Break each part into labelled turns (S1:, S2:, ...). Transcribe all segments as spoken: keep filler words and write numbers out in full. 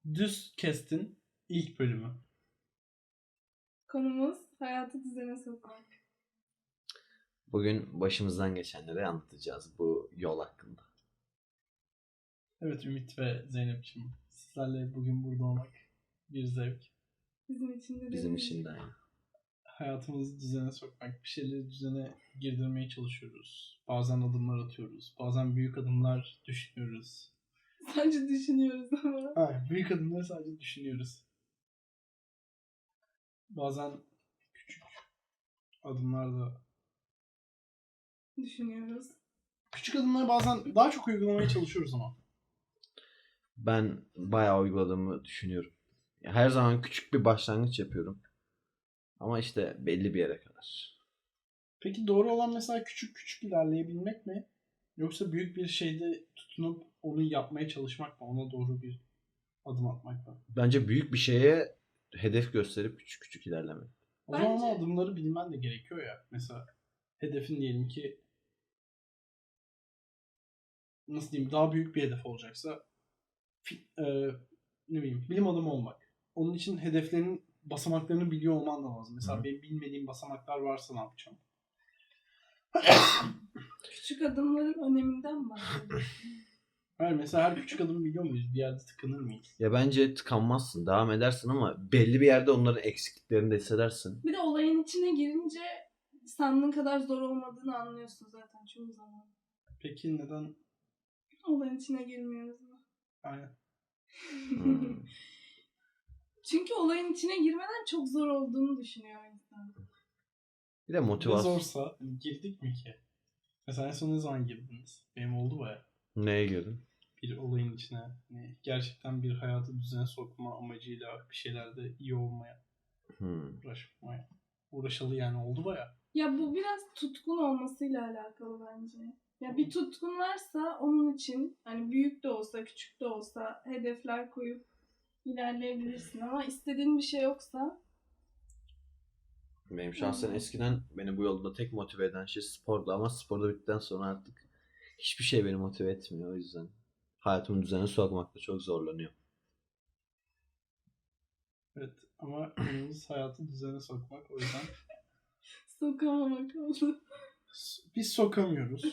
S1: Düz Kest'in ilk bölümü.
S2: Konumuz hayatı düzene sokmak.
S3: Bugün başımızdan geçenleri anlatacağız bu yol hakkında.
S1: Evet Ümit ve Zeynep'ciğim, sizlerle bugün burada olmak bir zevk.
S2: Bizim için de
S3: Bizim
S2: değil.
S3: için de aynı.
S1: Hayatımızı düzene sokmak, bir şeyleri düzene girdirmeye çalışıyoruz. Bazen adımlar atıyoruz, bazen büyük adımlar düşünüyoruz.
S2: Sadece düşünüyoruz ama.
S1: Hayır, büyük adımları sadece düşünüyoruz. Bazen küçük adımlar da...
S2: Düşünüyoruz.
S1: Küçük adımları bazen daha çok uygulamaya çalışıyoruz ama.
S3: Ben bayağı uyguladığımı düşünüyorum. Her zaman küçük bir başlangıç yapıyorum. Ama işte belli bir yere kadar.
S1: Peki doğru olan mesela küçük küçük ilerleyebilmek mi? Yoksa büyük bir şeyde tutunup onu yapmaya çalışmak mı? Ona doğru bir adım atmak mı?
S3: Bence büyük bir şeye hedef gösterip küçük küçük ilerlemek.
S1: O zaman
S2: Bence-
S1: o adımları bilmen de gerekiyor ya. Mesela hedefin diyelim ki nasıl diyeyim daha büyük bir hedef olacaksa fi- e, ne bileyim bilim adamı olmak. Onun için hedeflerin basamaklarını biliyor olman da lazım. Mesela
S3: Hı.
S1: benim bilmediğim basamaklar varsa ne yapacağım?
S2: Küçük adımların öneminden bahsediyorsun.
S1: Hayır, mesela her küçük adımı biliyor muyuz? Bir yerde tıkanır mıyız?
S3: Ya bence tıkanmazsın, devam edersin ama belli bir yerde onların eksikliklerini de hissedersin.
S2: Bir de olayın içine girince sandığın kadar zor olmadığını anlıyorsun zaten çoğu zaman.
S1: Peki neden?
S2: Olayın içine girmiyoruz mu?
S1: Aynen.
S3: Hmm.
S2: Çünkü olayın içine girmeden çok zor olduğunu düşünüyor insan.
S3: Bir de
S1: Ne
S3: motivasyon.
S1: zorsa girdik mi ki? Mesela en son ne zaman girdiniz? Benim oldu baya.
S3: Neye girdin?
S1: Bir olayın içine. Hani gerçekten bir hayatı düzene sokma amacıyla bir şeylerde iyi olmaya
S3: Hmm.
S1: uğraşmaya. Uğraşalı yani oldu baya.
S2: Ya bu biraz tutkun olmasıyla alakalı bence. Ya bir tutkun varsa onun için hani büyük de olsa küçük de olsa hedefler koyup ilerleyebilirsin ama istediğin bir şey yoksa
S3: Benim şahsen
S2: Hı.
S3: eskiden beni bu yolda tek motive eden şey spordu ama sporda bittikten sonra artık hiçbir şey beni motive etmiyor, o yüzden hayatımı düzene sokmakta çok zorlanıyor.
S1: Evet ama konumuz hayatı düzene sokmak. O yüzden
S2: sokamamak oldu.
S1: s- biz sokamıyoruz.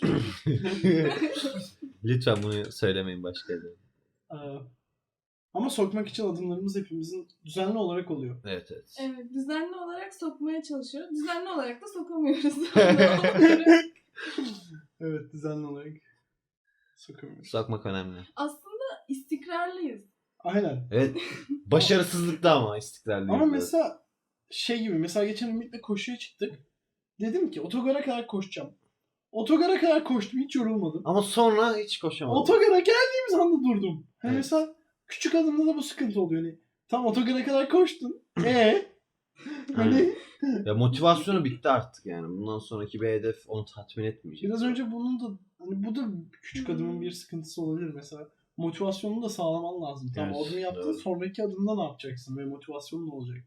S3: Lütfen bunu söylemeyin başka yerde.
S1: Ee, ama sokmak için adımlarımız hepimizin düzenli olarak oluyor.
S3: Evet evet.
S2: Evet, düzenli olarak sokmaya çalışıyoruz. Düzenli olarak da sokamıyoruz.
S1: Evet, düzenli olarak sokamıyoruz.
S3: Sokmak önemli.
S2: Aslında istikrarlıyız.
S1: Aynen.
S3: Evet. Başarısızlıkta ama istikrarlıyız.
S1: Ama
S3: biraz.
S1: mesela şey gibi, mesela geçen Ümit'le koşuya çıktık. Dedim ki otogara kadar koşacağım. Otogara kadar koştum, hiç yorulmadım.
S3: Ama sonra hiç koşamadım.
S1: Otogara geldiğimiz anda durdum. Hani
S3: Evet.
S1: mesela küçük adımda da bu sıkıntı oluyor. Hani tam otogara kadar koştun. Ee? Hani
S3: Ya motivasyonu bitti artık yani. Bundan sonraki bir hedef onu tatmin etmeyecek.
S1: biraz önce bunun da hani bu da küçük adımın bir sıkıntısı olabilir mesela. Motivasyonunu da sağlaman lazım. Tamam,
S3: Evet,
S1: o adımı yaptın,
S3: doğru.
S1: sonraki adımda ne yapacaksın ve motivasyonun ne olacak?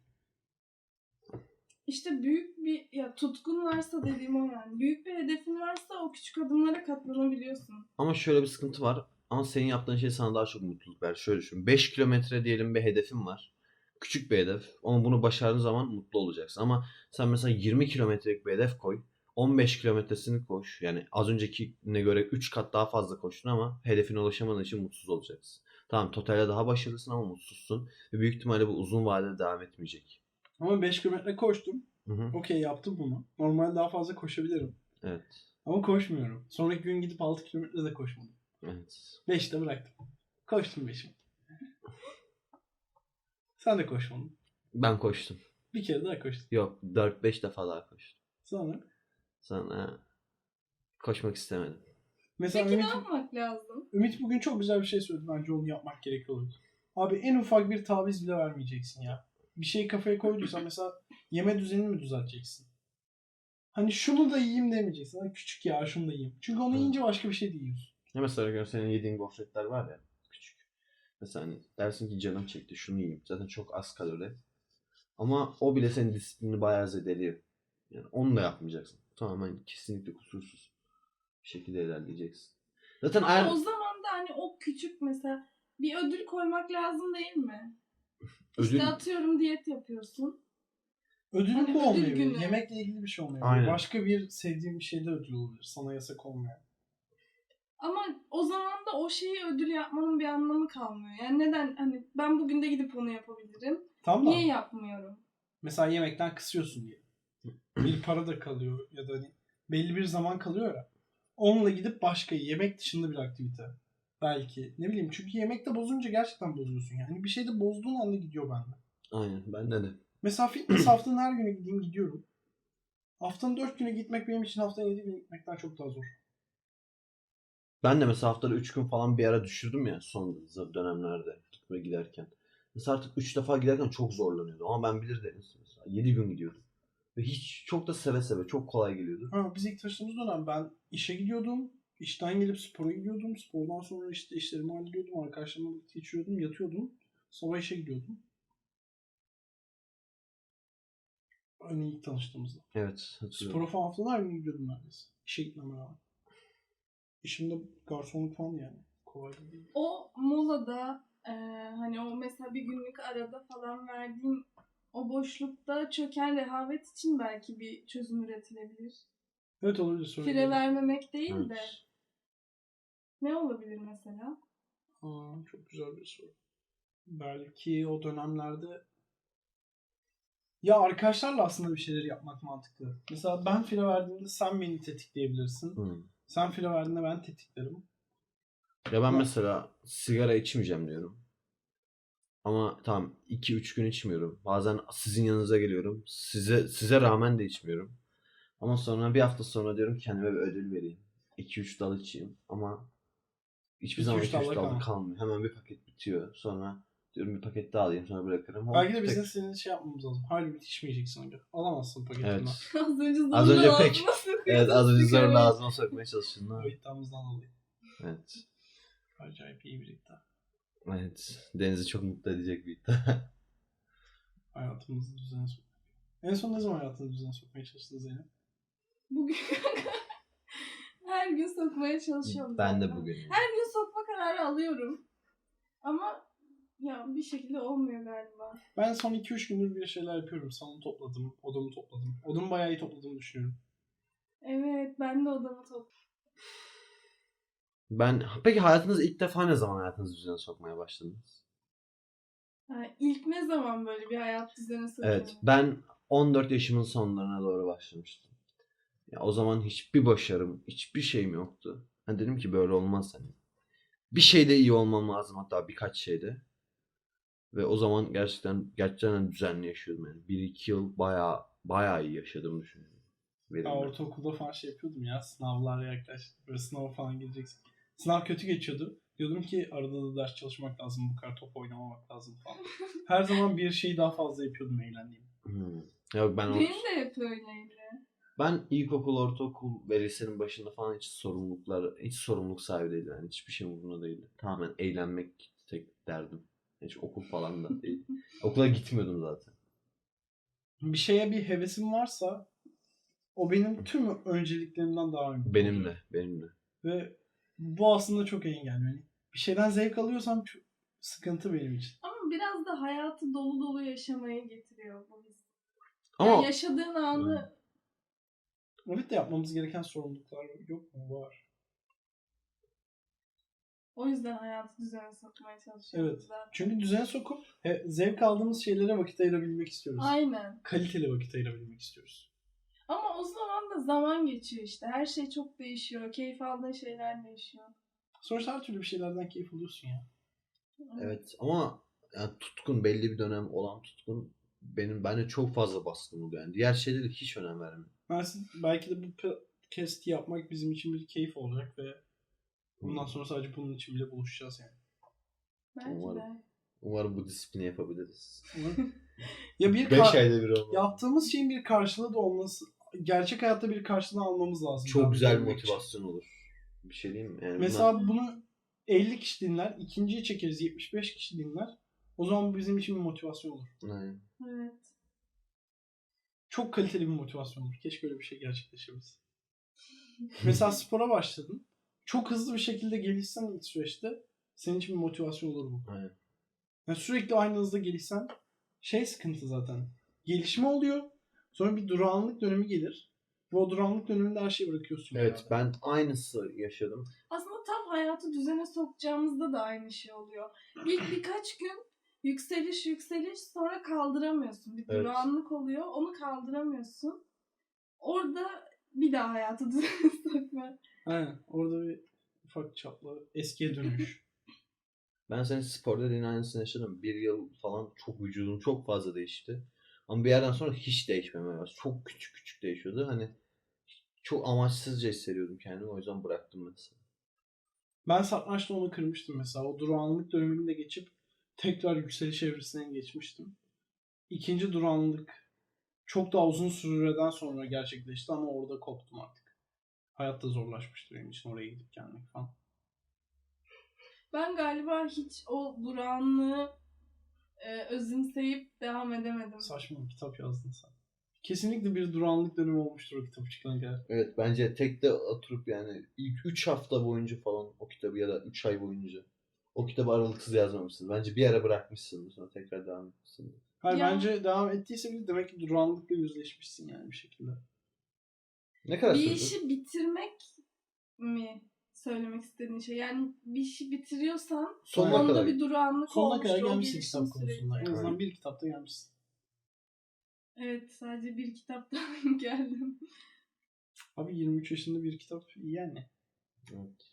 S2: İşte büyük bir ya tutkun varsa dediğim o yani. Büyük bir hedefin varsa o küçük adımlara katlanabiliyorsun.
S3: Ama şöyle bir sıkıntı var. Ama senin yaptığın şey sana daha çok mutluluk verir. Şöyle düşün. beş kilometre diyelim bir hedefin var. Küçük bir hedef. Ama bunu başardığın zaman mutlu olacaksın. Ama sen mesela yirmi kilometrelik bir hedef koy. on beş kilometresini koş. Yani az öncekine göre üç kat daha fazla koştun ama hedefine ulaşamadığın için mutsuz olacaksın. Tamam, totalde daha başarılısın ama mutsuzsun. Ve büyük ihtimalle bu uzun vadede devam etmeyecek.
S1: Ama beş kilometre koştum.
S3: Hı hı.
S1: Okey, yaptım bunu. Normalde daha fazla koşabilirim.
S3: Evet.
S1: Ama koşmuyorum. Sonraki gün gidip altı kilometre de koşmadım.
S3: Evet.
S1: beşte bıraktım. Koştum beşimi. Sen de koşmadın.
S3: Ben koştum.
S1: Bir kere daha koştun.
S3: Yok, dört beş defa daha koştum.
S1: Sonra
S3: Sonra koşmak istemedim.
S1: mesela
S2: Peki ne
S1: Ümit,
S2: yapmak lazım?
S1: Ümit bugün çok güzel bir şey söyledi. Bence onu yapmak gerekiyor. Abi en ufak bir taviz bile vermeyeceksin ya. Bir şeyi kafaya koyduysan mesela yeme düzenini mi düzelteceksin? Hani şunu da yiyeyim demeyeceksin. Hani küçük ya şunu da yiyeyim. Çünkü onu
S3: Hı.
S1: yiyince başka bir şey de yiyorsun.
S3: Ya mesela gör senin yediğin gofretler var ya, küçük. Mesela hani dersin ki canım çekti şunu yiyeyim. Zaten çok az kalori. Ama o bile senin disiplinini bayağı zedeliyor. Yani onu da yapmayacaksın. Tamamen kesinlikle kusursuz bir şekilde ilerleyeceksin. Zaten
S2: Ama
S3: eğer...
S2: o zaman da hani o küçük mesela bir ödül koymak lazım değil mi?
S3: Ödül
S2: İşte atıyorum diyet yapıyorsun.
S1: Ödül
S2: Hani
S1: bu
S2: ödül
S1: olmayabilir.
S2: günü.
S1: Yemekle ilgili bir şey olmayabilir.
S3: Aynen.
S1: Başka bir sevdiğin bir şeyde ödül olabilir. Sana yasak olmayan.
S2: Ama o zaman da o şeyi ödül yapmanın bir anlamı kalmıyor. Yani neden hani ben bugün de gidip onu yapabilirim.
S1: Tamam da
S2: Niye yapmıyorum?
S1: mesela yemekten kısıyorsun diye. Bir para da kalıyor ya da hani belli bir zaman kalıyor ya. Onunla gidip başka yemek dışında bir aktivite. Belki. Ne bileyim çünkü yemekte bozunca gerçekten bozuyorsun yani. Bir şeyde bozduğun anda gidiyor bende.
S3: aynen bende de.
S1: Mesela fitness haftanın her günü gideyim gidiyorum. Haftanın dört günü gitmek benim için haftanın yedi günü gitmekten çok daha zor.
S3: Ben de mesela haftada üç gün falan bir ara düşürdüm ya son dönemlerde gitme giderken. Mesela artık üç defa giderken çok zorlanıyordum ama ben bilir Deniz mesela yedi gün gidiyordum. Ve hiç çok da seve seve çok kolay geliyordu.
S1: Ha, biz ilk taşıdığımız dönem ben işe gidiyordum. İşten gelip spora gidiyordum. Spordan sonra işte işlerimi hallediyordum. Arkadaşlarımla birlikte içiyordum. Yatıyordum. Sabah işe gidiyordum. Hani ilk tanıştığımızda.
S3: Evet hatırlıyorum.
S1: Spora falan haftanın her gün gidiyordum neredeyse. İşe gitmeme rağmen. İşimde garsonluk falan yani. Kolay değil.
S2: O molada e, hani o mesela bir günlük arada falan verdiğin o boşlukta çöken rehavet için belki bir çözüm üretilebilir.
S1: Evet olabilir. Sorun
S2: Fire
S1: değil.
S2: vermemek değil de
S3: Evet.
S2: ne olabilir mesela?
S1: Aa, çok güzel bir soru. Belki o dönemlerde ya arkadaşlarla aslında bir şeyler yapmak mantıklı. Mesela ben file verdiğimde sen beni tetikleyebilirsin.
S3: Hmm.
S1: Sen file verdiğinde ben tetiklerim.
S3: Ya ben
S1: Ama-
S3: mesela sigara içmeyeceğim diyorum. Ama tamam iki üç gün içmiyorum. Bazen sizin yanınıza geliyorum. Size size rağmen de içmiyorum. Ama sonra bir hafta sonra diyorum ki kendime bir ödül vereyim. iki üç dal içeyim ama hiçbir
S1: İki
S3: zaman
S1: üç
S3: iki üç
S1: dalda
S3: dalda
S1: kalma.
S3: kalmıyor. Hemen bir paket bitiyor. Sonra diyorum bir paket daha alayım sonra bırakırım. Hop,
S1: Belki de bizim
S3: tek-
S1: senin şey yapmamız lazım. Halbuki içmeyeceksin önce. Alamazsın paketinden.
S3: Evet.
S2: Az önce zorla
S3: Az önce
S2: ağzıma
S3: pek.
S2: sokuyorsun
S3: Evet az önce zorla
S2: sigarayı.
S3: ağzıma sokmaya çalıştın.
S1: O
S3: Ha?
S1: iddiamızdan dolayı.
S3: Evet.
S1: Acayip iyi bir iddia.
S3: Evet. Deniz'i çok mutlu edecek bir iddia.
S1: Hayatımızı düzene sok. En son ne zaman hayatını düzene sokmaya çalıştın Zeynep?
S2: Bugün her gün sokmaya çalışıyorum
S3: Ben de
S2: zaten.
S3: bugün.
S2: Her gün sokma kararı alıyorum. Ama ya bir şekilde olmuyor galiba.
S1: Ben son iki üç gündür bir şeyler yapıyorum. Salonu topladım, odamı topladım. Odamı bayağı iyi topladığımı düşünüyorum.
S2: Evet, ben de odamı topladım.
S3: Ben peki hayatınızda ilk defa ne zaman hayatınızı düzene sokmaya başladınız?
S2: Ha, ilk ne zaman böyle bir hayat düzeni sokuyorum?
S3: Evet, ben on dört yaşımın sonlarına doğru başlamıştım. Ya o zaman hiçbir başarım, hiçbir şeyim yoktu. Hani dedim ki böyle olmaz hani. Bir şeyde iyi olmam lazım hatta birkaç şeyde. Ve o zaman gerçekten gerçekten düzenli yaşıyordum yani. Bir iki yıl bayağı bayağı iyi yaşadığımı düşünüyorum.
S1: Ya
S3: Verimli.
S1: ortaokulda falan şey yapıyordum ya. Sınavlar yaklaştı. Böyle sınava falan gireceksin. Sınav kötü geçiyordu. Diyordum ki arada da ders çalışmak lazım. Bu kadar top oynamamak lazım falan. Her zaman bir şeyi daha fazla yapıyordum eğlendiğim.
S3: Hmm. Yok ben
S2: Benim
S3: ort-
S2: de hep öyleydi.
S3: ben ilkokul, ortaokul ve lisenin başında falan hiç sorumluluklar, hiç sorumluluk sahibi değildim. Yani hiçbir şey umurumda değildi. Tamamen eğlenmek tek derdim. Hiç okul falan da değil. Okula gitmiyordum zaten.
S1: Bir şeye bir hevesim varsa o benim tüm önceliklerimden daha önemli.
S3: Benim de, benim de.
S1: Ve bu aslında çok engelli. Yani bir şeyden zevk alıyorsam çok sıkıntı benim için.
S2: Ama biraz da hayatı dolu dolu yaşamayı getiriyor bu his.
S3: Ama
S2: Yani yaşadığın anı
S1: Evet de yapmamız gereken sorumluluklar yok mu? Var.
S2: o yüzden hayatı düzene sokmaya çalışıyoruz
S1: Evet.
S2: zaten.
S1: Çünkü düzene sokup he, zevk aldığımız şeylere vakit ayırabilmek istiyoruz.
S2: Aynen.
S1: Kaliteli vakit ayırabilmek istiyoruz.
S2: Ama o zaman da zaman geçiyor işte. Her şey çok değişiyor. Keyif aldığın şeyler değişiyor.
S1: Sonuçta her türlü bir şeylerden keyif alıyorsun ya.
S3: evet ama yani tutkun belli bir dönem olan tutkun benim bende çok fazla baskın oluyor. Yani diğer şeylere hiç önem vermiyorum.
S1: Ben siz- belki de bu podcast'i yapmak bizim için bir keyif olacak ve bundan sonra sadece bunun için bile buluşacağız yani.
S2: Belki
S3: Umarım.
S2: de.
S3: Umarım bu disiplini yapabiliriz.
S1: Ya bir
S3: beş
S1: ka-
S3: ayda bir olmalı.
S1: yaptığımız şeyin bir karşılığı da olması, gerçek hayatta bir karşılığını almamız lazım.
S3: Çok
S1: Devam
S3: güzel bir
S1: edebilmek için.
S3: motivasyon olur. Bir şey diyeyim mi? Yani
S1: Mesela
S3: bunlar-
S1: bunu elli kişi dinler, ikinciyi çekeriz yetmiş beş kişi dinler. O zaman bu bizim için bir motivasyon olur.
S3: Aynen.
S2: Evet.
S1: Çok kaliteli bir motivasyon olur. Keşke öyle bir şey gerçekleşebilse. Mesela spora başladın. Çok hızlı bir şekilde gelişsen ilk süreçte Senin için bir motivasyon olur bu.
S3: Aynen.
S1: Yani sürekli aynı hızda gelişsen şey sıkıntı zaten. Gelişme oluyor. Sonra bir durağanlık dönemi gelir. Ve o durağanlık döneminde her şeyi bırakıyorsun.
S3: Evet
S1: yani.
S3: ben aynısı yaşadım.
S2: Aslında tam hayatı düzene sokacağımızda da aynı şey oluyor. İlk birkaç gün yükseliş yükseliş sonra kaldıramıyorsun. Bir
S3: Evet.
S2: durağanlık oluyor. Onu kaldıramıyorsun. Orada bir daha hayatı düzene sokma.
S1: Aynen. Orada bir ufak çaplı eskiye dönüş.
S3: Ben senin spor dediğin aynısını yaşadım. Bir yıl falan çok vücudum çok fazla değişti. Ama bir yerden sonra hiç değişmemeye başladı. Çok küçük küçük değişiyordu. Hani çok amaçsızca hissediyordum kendimi. O yüzden bıraktım mesela.
S1: Ben satrançta onu kırmıştım mesela. O durağanlık dönemini de geçip tekrar yükseliş evresine geçmiştim. İkinci durağanlık çok daha uzun süreden sonra gerçekleşti ama orada koptum artık. Hayat da zorlaşmıştı benim için oraya gidip gelmek falan.
S2: Ben galiba hiç o durağanlığı e, özümseyip devam edemedim.
S1: Saçma bir kitap yazdın sen. Kesinlikle bir durağanlık dönemi olmuştur o kitap çıkana kadar.
S3: Evet bence tek de oturup yani ilk üç hafta boyunca falan o kitabı ya da üç ay boyunca o kitabı aralıksız yazmamışsın. Bence bir ara bırakmışsın sonra tekrar devam etmişsin.
S1: Hayır
S2: Ya.
S1: bence devam ettiyse bile demek ki durağanlıkla yüzleşmişsin yani bir şekilde.
S3: Ne kadar
S2: Bir
S3: sürdü?
S2: işi bitirmek mi söylemek istediğin şey? Yani bir işi bitiriyorsan
S3: Sonuna
S2: onda
S3: kadar.
S2: bir durağanlık
S1: Sonuna
S2: olmuştur.
S1: kadar
S2: O
S1: gelmişsin
S2: gelişim
S1: kitap konusunda. En
S2: süreci.
S1: azından
S3: Aynen.
S1: bir kitapta gelmişsin.
S2: Evet, sadece bir kitaptan geldim.
S1: Abi yirmi üç yaşında bir kitap iyi yani.
S3: Evet.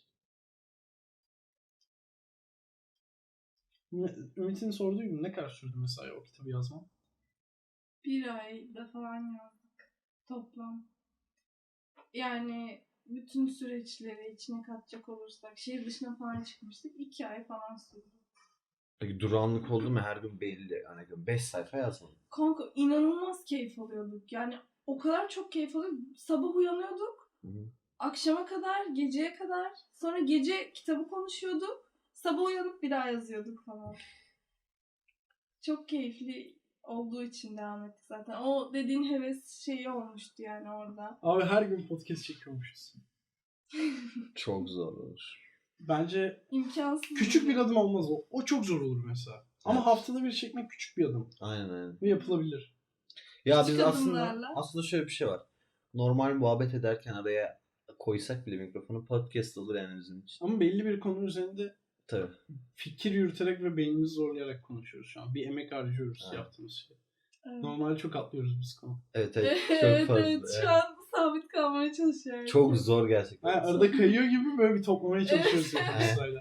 S1: Ne- Ümit'in sorduğu gibi ne kadar sürdü mesela o kitabı yazman?
S2: Bir ayda falan yazdık toplam. Yani bütün süreçleri içine katacak olursak şehir dışına falan çıkmıştık. iki ay falan sürdü.
S3: Peki durağanlık oldu mu her gün belli. Hani beş sayfa yazmadım.
S2: Kanka inanılmaz keyif alıyorduk. Yani o kadar çok keyif alıyorduk. Sabah uyanıyorduk.
S3: Hı hı.
S2: Akşama kadar, geceye kadar. Sonra gece kitabı konuşuyorduk. Sabah uyanıp bir daha yazıyorduk falan. Çok keyifli olduğu için devam ettik zaten. O dediğin heves şeyi olmuştu yani orada.
S1: Abi her gün podcast çekiyormuşuz.
S3: Çok zor olur.
S1: Bence
S2: İmkansız.
S1: küçük bir adım olmaz o. O çok zor olur mesela. Ama
S3: Evet.
S1: haftada bir çekmek küçük bir adım.
S3: Aynen aynen.
S1: Ve yapılabilir.
S3: Ya
S2: Küçük
S3: biz aslında
S2: adımlarla.
S3: aslında şöyle bir şey var. Normal muhabbet ederken araya koysak bile mikrofonu podcast olur yani bizim için.
S1: Ama belli bir konu üzerinde
S3: Tabii.
S1: fikir yürüterek ve beynimizi zorlayarak konuşuyoruz şu an. Bir emek harcıyoruz
S3: Evet.
S1: yaptığımız şey.
S2: Evet.
S1: Normalde çok atlıyoruz biz konu.
S3: Evet evet çok
S2: Evet,
S3: fazla.
S2: evet,
S3: Evet.
S2: şu an sabit kalmaya çalışıyorum.
S3: Çok zor gerçekten.
S1: Yani arada kayıyor gibi böyle bir toplamaya çalışıyoruz.
S2: Evet.
S1: hepimiz sırayla.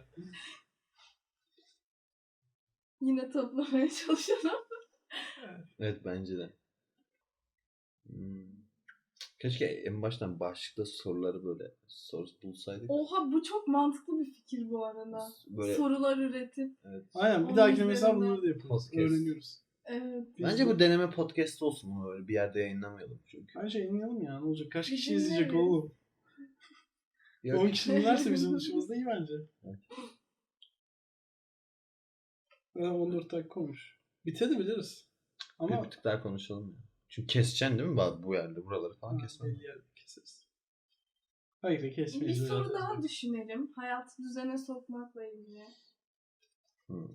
S2: Yine toplamaya çalışalım.
S3: Evet bence de. Hmm. Keşke en baştan başlıkta soruları böyle soru bulsaydık.
S2: Oha, bu çok mantıklı bir fikir bu arada.
S3: Böyle
S2: Sorular üretip.
S3: evet.
S1: Aynen bir
S2: Onun
S1: dahakine mesela
S2: üzerine
S1: bunları da yapıyoruz.
S3: podcast.
S1: Öğreniyoruz.
S2: Evet.
S1: Biz
S3: Bence
S1: de-
S3: bu deneme podcast olsun mu öyle bir yerde yayınlamayalım çünkü.
S1: Bence yayınlayalım ya. Ne olacak? Kaç
S2: Biz
S1: kişi izleyecek
S2: dinleriz.
S1: oğlum?
S3: Yok.
S1: on kişi dinlerse bizim dışımızda iyi bence.
S3: Evet.
S1: Ya on dört dakika olmuş. Bitebiliriz. Ama
S3: Bir tık daha konuşalım ya. Çünkü keseceksin değil mi bu- bu yerde buraları falan
S1: ha,
S3: kesmem.
S1: belli yerde keseriz. Hayır da
S2: Bir
S1: kesmeyiz.
S2: soru
S1: öyle
S2: daha
S1: yapacağız.
S2: düşünelim. Hayatı düzene sokmakla ilgili.
S3: Hmm.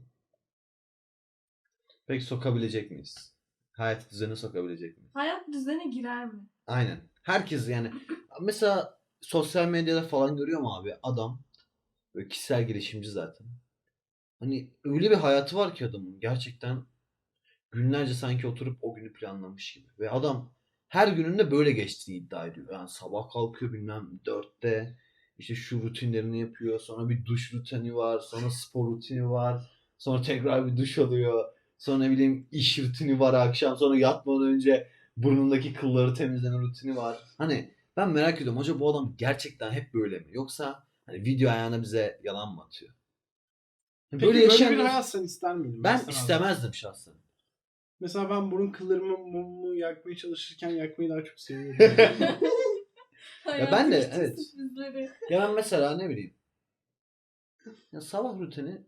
S3: Peki sokabilecek miyiz? Hayat düzeni sokabilecek miyiz?
S2: Hayat düzene girer mi?
S3: Aynen. Herkes yani mesela sosyal medyada falan görüyorum abi adam böyle kişisel gelişimci zaten. Hani öyle bir hayatı var ki adamın gerçekten günlerce sanki oturup o günü planlamış gibi. Ve adam her gününde böyle geçtiğini iddia ediyor. Yani sabah kalkıyor bilmem dörtte işte şu rutinlerini yapıyor. Sonra bir duş rutini var. Sonra spor rutini var. Sonra tekrar bir duş alıyor. Sonra ne bileyim iş rutini var akşam. Sonra yatmadan önce burnundaki kılları temizleme rutini var. Hani ben merak ediyorum. Acaba bu adam gerçekten hep böyle mi? Yoksa hani video ayağına bize yalan mı atıyor?
S1: Peki böyle,
S3: yaşayan
S1: bir
S3: bir-
S1: hayat sen ister miydin?
S3: ben
S1: istemezdim.
S3: istemezdim şahsen.
S1: Mesela ben burun kıllarımı mumu yakmaya çalışırken yakmayı daha çok seviyorum.
S2: Hayatın
S3: ben de,
S2: küçük
S3: evet.
S2: sürprizleri.
S3: Ya ben mesela ne bileyim. Ya sabah rutini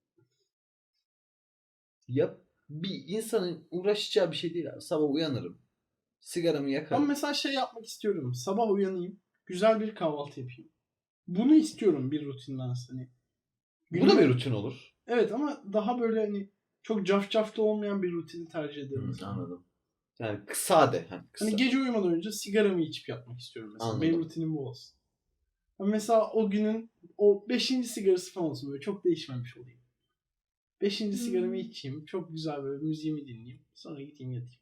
S3: yap bir insanın uğraşacağı bir şey değil abi. Sabah uyanırım. Sigaramı
S1: Ben
S3: yakarım.
S1: mesela şey yapmak istiyorum. Sabah uyanayım. Güzel bir kahvaltı yapayım. Bunu istiyorum bir rutinden hani.
S3: Bu da bir rutin olur.
S1: Evet ama daha böyle hani çok cafcafta olmayan bir rutini tercih ederim.
S3: Hı,
S1: mesela.
S3: anladım. Yani sade. Hani, kısa.
S1: Hani gece uyumadan önce sigaramı içip yatmak istiyorum mesela.
S3: Anladım.
S1: Benim rutinim bu olsun. Ama mesela o günün o beşinci sigarası falan olsun, böyle çok değişmemiş olayım. Beşinci
S2: Hmm.
S1: sigaramı içeyim. Çok güzel böyle müziğimi dinleyeyim. Sonra gideyim yatayım.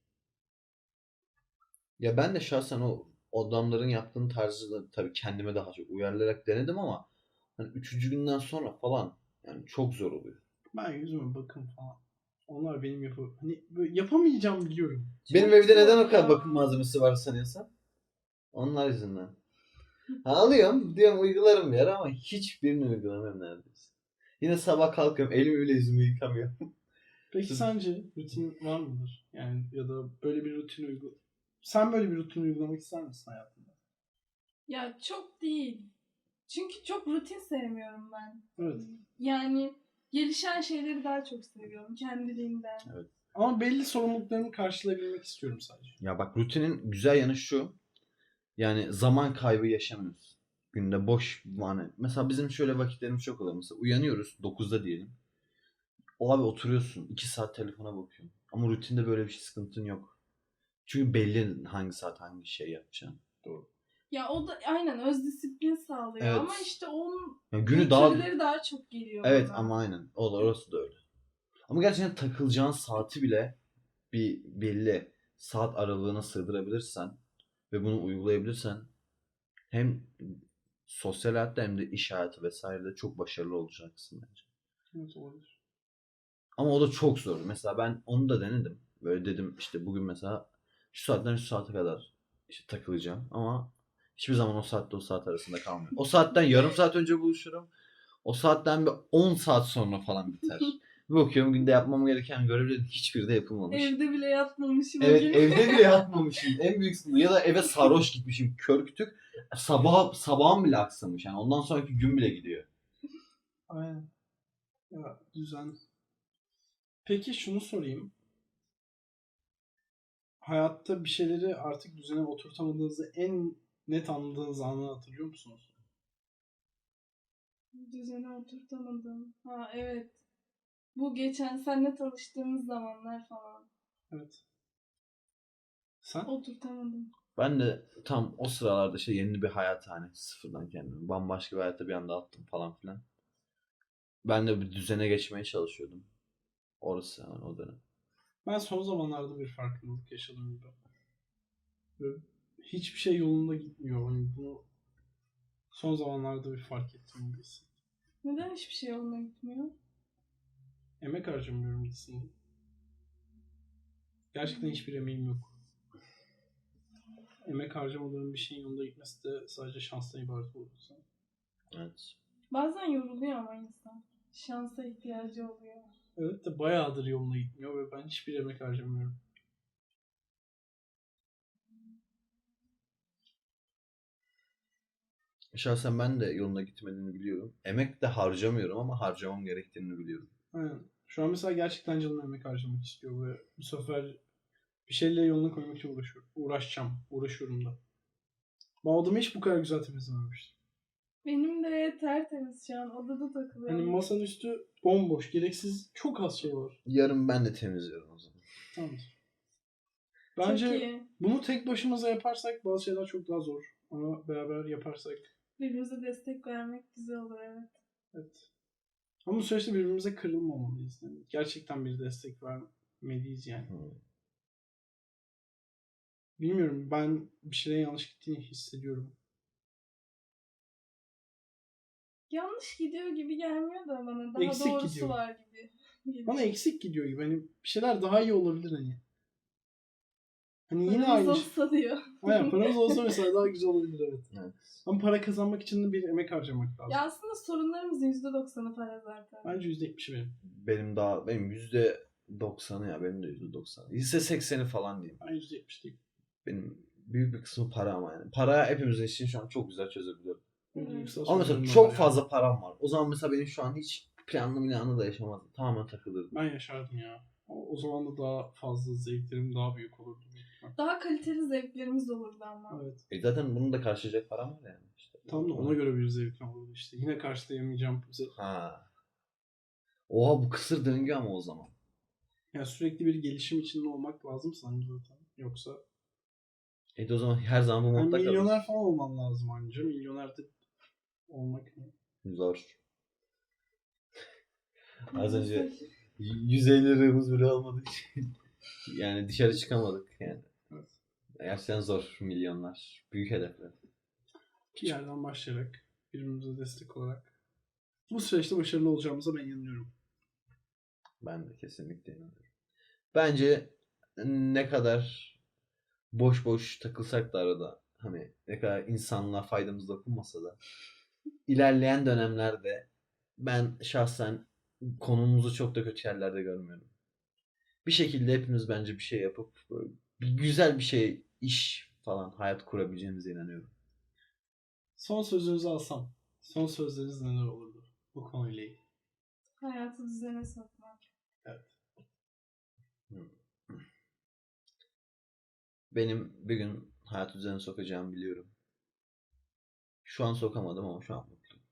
S3: Ya ben de şahsen o adamların yaptığın tarzı da tabii kendime daha çok uyarlayarak denedim ama hani üçüncü günden sonra falan yani çok zor oluyor.
S1: Ben yüzüme bakım falan. Onlar benim yapı hani böyle yapamayacağım biliyorum.
S3: Benim
S2: Çok
S3: evde neden
S2: zor
S3: o kadar
S2: ya.
S3: bakım malzemesi var sanıyorsan? Onlar yüzünden. Ha, alıyorum diyorum uygularım bir ara ama hiçbirini uygulamıyorum neredeyse. Yine sabah kalkıyorum elimi bile yüzümü yıkamıyorum.
S1: Peki
S3: Siz-
S1: sence rutin var mıdır? Yani ya da böyle bir rutin uygula... Sen böyle bir rutin uygulamak ister misin hayatında?
S2: Ya çok değil. Çünkü çok rutin sevmiyorum ben.
S1: Evet.
S2: Yani gelişen şeyleri daha çok seviyorum kendiliğinden.
S1: Ama belli sorumluluklarımı karşılayabilmek istiyorum sadece.
S3: Ya bak rutinin güzel yanı şu. Yani zaman kaybı yaşamıyoruz. Günde boş yani mesela bizim şöyle vakitlerimiz çok oluyor. Mesela uyanıyoruz dokuzda diyelim. O abi oturuyorsun iki saat telefona bakıyorsun. Ama rutinde böyle bir şey sıkıntın yok. Çünkü belli hangi saat hangi şey yapacaksın. Doğru.
S2: Ya o da aynen öz disiplin sağlıyor
S3: Evet.
S2: ama işte onun
S3: Yani günü daha
S2: getirileri daha çok geliyor
S3: evet
S2: bana.
S3: ama aynen. O da orası da öyle. Ama gerçekten takılacağın saati bile bir belli saat aralığına sığdırabilirsen ve bunu uygulayabilirsen hem sosyal hayatta hem de iş hayatı vesairede çok başarılı olacaksın bence.
S1: Evet, olabilir.
S3: Ama o da çok zor. Mesela ben onu da denedim. Böyle dedim işte bugün mesela şu saatten şu saate kadar işte takılacağım ama hiçbir zaman o saatte o saat arasında kalmıyor. O saatten yarım saat önce buluşurum. O saatten bir on saat sonra falan biter. Bir bakıyorum günde yapmam gereken görevlerin hiçbiri de yapılmamış.
S2: Evde bile yatmamışım o
S3: Evet
S2: gün.
S3: evde bile yatmamışım. En büyük sıkıntı. Ya da eve sarhoş gitmişim. Kör kütük. Sabah, sabahım bile aksamış. Yani ondan sonraki gün bile gidiyor.
S1: Aynen. Ya düzen. Peki şunu sorayım. Hayatta bir şeyleri artık düzene oturtamadığınızı en net anladığınız anı hatırlıyor musunuz?
S2: Düzene oturtamadım. Ha evet. Bu geçen seninle tanıştığımız zamanlar falan.
S1: Evet. Sen?
S2: Oturtamadım.
S3: Ben de tam o sıralarda işte yeni bir hayat hani sıfırdan kendimi. Bambaşka bir hayata bir anda attım falan filan. Ben de bir düzene geçmeye çalışıyordum. Orası yani o dönem.
S1: Ben son zamanlarda bir farkındalık yaşadım gibi. Böyle hiçbir şey yolunda gitmiyor. Hani bunu son zamanlarda bir fark ettim gibi hissettim.
S2: Neden hiçbir şey yoluna gitmiyor?
S1: Emek harcamıyorum gitsin. Gerçekten hiçbir emeğim yok. Emek harcamadığım bir şeyin yolunda gitmesi de sadece şanstan ibaret olursa.
S3: Evet.
S2: Bazen yoruluyor ama insan. Şansa ihtiyacı oluyor.
S1: Evet de bayağıdır yoluna gitmiyor ve ben hiçbir emek harcamıyorum.
S3: Şahsen ben de yoluna gitmediğini biliyorum. Emek de harcamıyorum ama harcamam gerektiğini biliyorum.
S1: Aynen. Şu an mesela gerçekten canım emek harcamak istiyor ve bu sefer bir şeyleri yoluna koymak için uğraşıyorum. Uğraşacağım. Uğraşıyorum da. Ben odamı hiç bu kadar güzel temizlememiştim.
S2: Benim de tertemiz şu an. Odada takılıyorum.
S1: Hani masanın üstü bomboş. Gereksiz çok az şey var.
S3: Yarın ben de temizliyorum o zaman.
S1: Tamamdır.
S2: Çok
S1: Bence
S2: iyi.
S1: bunu tek başımıza yaparsak bazı şeyler çok daha zor. Ama beraber yaparsak
S2: Birbirimize destek vermek güzel olur evet.
S1: evet. Ama bu süreçte birbirimize kırılmamalıyız. Yani gerçekten bir destek vermeliyiz yani.
S3: Hmm.
S1: Bilmiyorum, ben bir şeylerin yanlış gittiğini hissediyorum.
S2: Yanlış gidiyor gibi gelmiyor da bana. Daha
S1: Eksik
S2: doğrusu
S1: gidiyor.
S2: var gibi. geliyor.
S1: Bana eksik gidiyor gibi. Hani bir şeyler daha iyi olabilir hani. Hani yine
S2: Paramız
S1: aynı şey.
S2: olsa diyor.
S1: Aynen, paramız olsa mesela daha güzel olabilir, evet.
S3: Evet.
S1: Ama para kazanmak için de bir emek harcamak lazım.
S2: Ya aslında sorunlarımızın yüzde doksanı para zaten.
S1: Bence yüzde yetmişi benim.
S3: Benim daha benim yüzde doksanı ya benim de yüzde doksanı. Yüzde sekseni falan diyeyim.
S1: Ben yüzde yetmiş değilim.
S3: Benim büyük bir kısmı para ama yani. Para hepimizin için şu an çok güzel çözebiliyorum.
S1: Benim
S2: Evet.
S1: duygusal
S3: Ama mesela
S1: sorunlarım da
S3: çok
S1: var yani.
S3: fazla param var. O zaman mesela benim şu an hiç planlı planlı da yaşamazdım. Tamamen takılırdım.
S1: Ben yaşardım ya. O, o zaman da daha fazla zevklerim daha büyük olurdu büyük ihtimal.
S2: Daha kaliteli zevklerimiz olurdu ama.
S1: Evet.
S3: E zaten bunu da karşılayacak param var yani. İşte.
S1: Tam da ona göre bir zevkim olurdu işte. Yine karşılayamayacağım.
S3: Ha. Oha bu kısır döngü ama o zaman.
S1: Yani sürekli bir gelişim içinde olmak lazım sanki zaten. Yoksa
S3: E de o zaman her zaman bu
S1: yani
S3: modda
S1: milyoner
S3: kalıyorsun.
S1: falan olman lazım anca. Milyoner de olmak ne?
S3: Zor. Az önce
S2: Maalesef.
S3: yüz elli liramız bile olmadığı için yani dışarı çıkamadık yani.
S1: Evet.
S3: Gerçekten zor milyonlar. Büyük hedefler.
S1: Bir yerden başlayarak birbirimize destek olarak bu süreçte başarılı olacağımıza ben inanıyorum.
S3: Ben de kesinlikle inanıyorum. Bence ne kadar boş boş takılsak da arada hani ne kadar insanlığa faydamız dokunmasa da ilerleyen dönemlerde ben şahsen konumumuzu çok da kötü yerlerde görmüyorum. Bir şekilde hepimiz bence bir şey yapıp böyle bir güzel bir şey, iş falan hayat kurabileceğimize inanıyorum.
S1: Son sözünüzü alsam. Son sözleriniz neler olurdu bu konuyla ilgili?
S2: Hayatı düzene sokmak.
S1: Evet.
S3: Benim bir gün hayat düzenine sokacağımı biliyorum. Şu an sokamadım ama şu an mutluyum.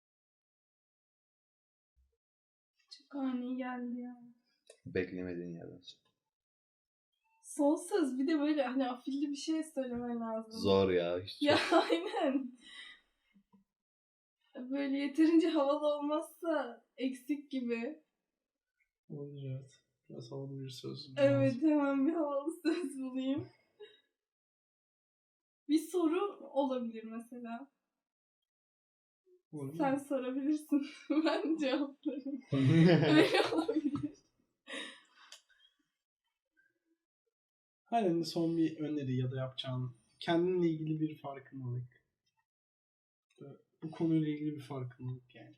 S2: Çok ani geldi ya.
S3: Beklemediğin yerden sonra.
S2: Son söz bir de böyle hani afilli bir şey söylemen lazım.
S3: Zor ya. Hiç
S2: Ya
S3: çok...
S2: aynen. Böyle yeterince havalı olmazsa eksik gibi.
S1: Olabilir evet. Biraz havalı bir söz.
S2: Evet hemen bir havalı söz bulayım. Bir soru olabilir mesela.
S1: Olabilir.
S2: Sen sorabilirsin. Ben cevaplarım. Öyle olabilir.
S1: Halen de son bir öneri ya da yapacağın kendinle ilgili bir farkındalık. Bu konuyla ilgili bir farkındalık yani.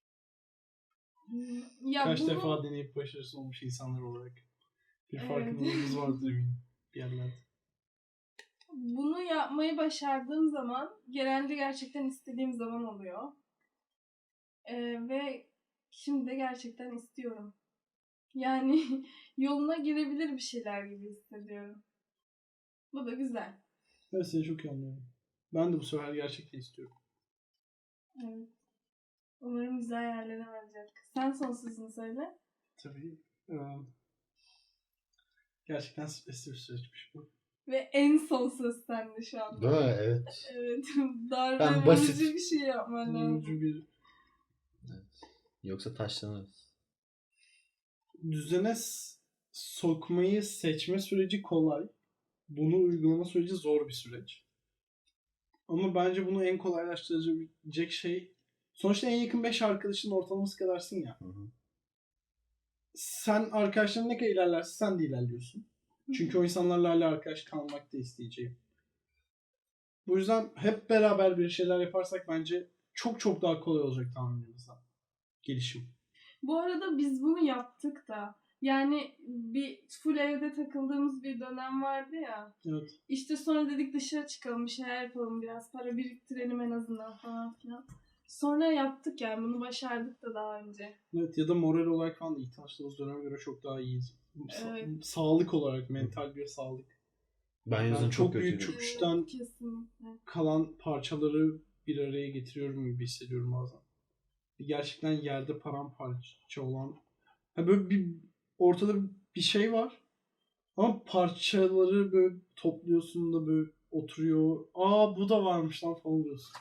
S2: Ya
S1: Kaç
S2: bunu,
S1: defa deneyip başarısız olmuş insanlar olarak bir
S2: Evet.
S1: farkındalığımız vardır eminim bir yerlerde.
S2: bunu yapmayı başardığım zaman genelde gerçekten istediğim zaman oluyor. Ee, ve şimdi de gerçekten istiyorum. Yani yoluna girebilir bir şeyler gibi hissediyorum. Bu da güzel.
S1: Evet seni çok iyi anlıyorum. Ben de bu sefer gerçekten istiyorum.
S2: Evet. Umarım güzel yerlere varacak. Sen son sözünü söyle.
S1: Tabii. E, gerçekten stresli bir süreçmiş bu.
S2: Ve en son söz sende şu anda.
S3: Değil mi? Evet.
S2: Evet. Darbe
S3: Ben basit-
S2: vurucu bir şey yapman lazım.
S1: Vurucu bir
S3: Evet. Yoksa taşlanırız.
S1: düzene s- sokmayı seçme süreci kolay. Bunu uygulama süreci zor bir süreç. Ama bence bunu en kolaylaştıracak şey sonuçta en yakın beş arkadaşının ortalaması kadarsın ya.
S3: Hı hı.
S1: Sen arkadaşların ne kadar ilerlerse sen de ilerliyorsun. Çünkü o insanlarla hala arkadaş kalmak da isteyeceğim. Bu yüzden hep beraber bir şeyler yaparsak bence çok çok daha kolay olacak tahminimizden. Gelişim.
S2: Bu arada biz bunu yaptık da. Yani bir full evde takıldığımız bir dönem vardı ya.
S1: Evet.
S2: İşte sonra dedik dışarı çıkalım, bir şeyler yapalım, biraz para biriktirelim en azından falan filan. Sonra yaptık yani bunu başardık da daha önce.
S1: Evet ya da moral olarak falan da ilk tanıştığımız döneme göre çok daha iyiyiz. Sa-
S2: Evet.
S1: Sağlık olarak, mental bir sağlık.
S3: Ben yazın
S1: Yani
S3: çok,
S1: çok büyük
S3: kötüydüm.
S1: çöküşten
S2: Evet, kesinlikle.
S1: kalan parçaları bir araya getiriyorum gibi hissediyorum bazen. Gerçekten yerde paramparça olan. Ha böyle bir ortada bir şey var. Ama parçaları böyle topluyorsun da böyle oturuyor. Aa bu da varmış lan falan diyorsun.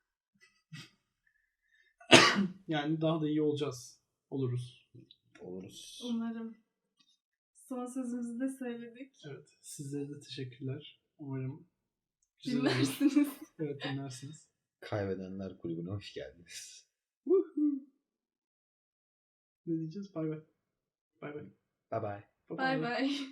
S1: Yani daha da iyi olacağız. Oluruz.
S3: Oluruz.
S2: Umarım. Son sözümüzü de söyledik.
S1: Evet. Sizlere de teşekkürler. Umarım güzel olur.
S2: Dinlersiniz.
S1: Evet dinlersiniz.
S3: Kaybedenler kulübüne hoş geldiniz.
S1: Woohoo. Ne diyeceğiz? Bay bay. Bay bay.
S3: Bye bye.
S2: Bay bay.